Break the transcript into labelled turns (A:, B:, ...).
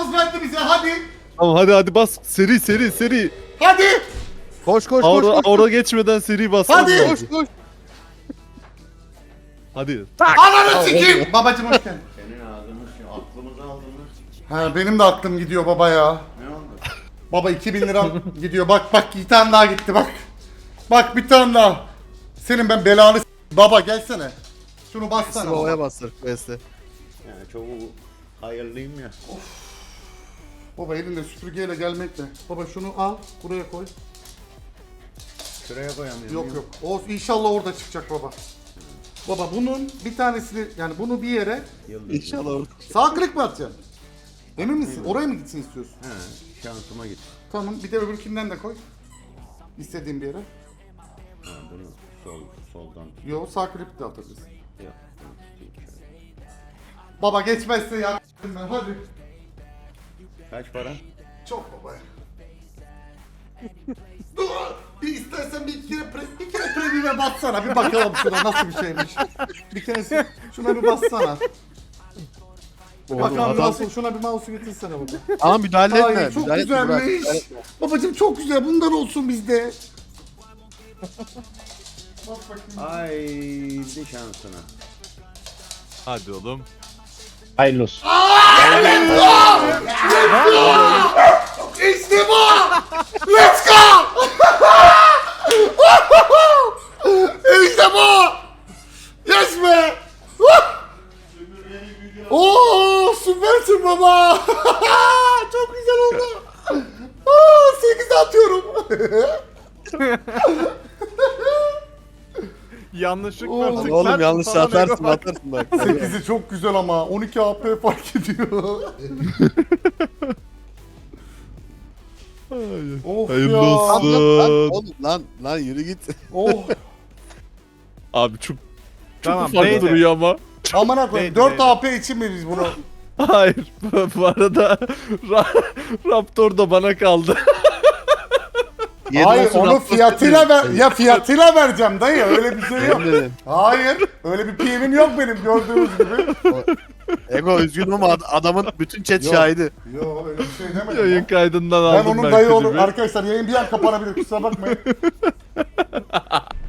A: gaz verdi bize hadi.
B: Tamam hadi bas. Seri.
A: Hadi.
C: Koş koş
B: Aura geçmeden seri bas.
A: Hadi.
C: koş.
B: Hadi.
A: Ananı sikeyim. Babacım hoş geldin.
D: Senin ağzını aklımızı aldınız.
A: Ha benim de aklım gidiyor baba ya.
D: Ne oldu?
A: Baba 2000 liram gidiyor. Bak bir tane daha gitti bak. Bak bir tane daha. Senin ben belanı baba gelsene. Şunu bassana.
C: Babaya
A: Baba.
C: bastır Quest'e.
D: Yani çok hayırlıyım ya.
A: Baba elinde süpürgeyle gelmekle. Baba şunu al buraya koy.
D: Şuraya koyamıyorum.
A: Yok. O inşallah orada çıkacak baba. Baba bunun bir tanesini yani bunu bir yere
D: Yıldız.
C: İnşallah orada.
A: sağ klik mi atacaksın? Emin misin? Oraya mı gitsin istiyorsun?
D: He, şansıma git.
A: Tamam bir de öbürkünden de koy. İstediğin bir yere.
D: Ha, bunu soldan tut.
A: Yo sağ klik de atabilirsin.
D: Yok, bunu tutayım şöyle.
A: Baba geçmezse ya ben hadi.
D: Kaç para?
A: Çok baba ya. Dur! Bir istersen bir kere premium'e bassana bir bakalım şuna nasıl bir şeymiş. Bir kere şuna bir bassana. Bakalım
C: adam-
A: nasıl şuna bir mouse'u getirsene baba.
C: Ama müdahale etme.
A: Ay çok
C: müdahale etme, bırak.
A: güzelmiş. Babacım çok güzel bundan olsun bizde. Bak bakayım.
D: Haydi şansına.
B: Hadi oğlum.
E: Hayırlı olsun.
A: İşte bu! Let's go! İşte bu! Yes be! Oo süpersin baba! Çok güzel oldu. 8'e atıyorum.
B: Yanlışlıkla
A: Oğlum,
B: tıklar.
C: Oğlum yanlış
B: sana
C: atarsın
B: bak.
C: atarsın bak.
A: 8'i çok güzel ama 12 AP fark ediyor. Of
B: Hayırlı
A: ya.
B: olsun.
C: Oğlum lan yürü git.
A: Oh.
B: Abi çok
E: Tamam,
B: ufak
E: neyse.
B: duruyor ama.
A: Amına koyayım.
E: Neydi,
A: 4
E: neydi?
A: AP için mi biz bunu?
B: Hayır. Bu arada Raptor da bana kaldı.
C: Yedi
A: Hayır
C: olsun,
A: onu
C: Raptor
A: fiyatıyla ver
C: dedim.
A: ya fiyatıyla vereceğim dayı öyle bir şey yok.
C: Ben dedim.
A: Hayır öyle bir PM'im yok benim gördüğünüz gibi.
C: Ego üzgünüm ama adamın bütün chat
A: Yok.
C: şahidi.
A: Yok öyle bir şey demedim.
B: Yayın
A: ya.
B: kaydından
A: Ben
B: aldım
A: onun dayı
B: klibi.
A: olur. Arkadaşlar yayın bir an kapanabilir kusura bakmayın.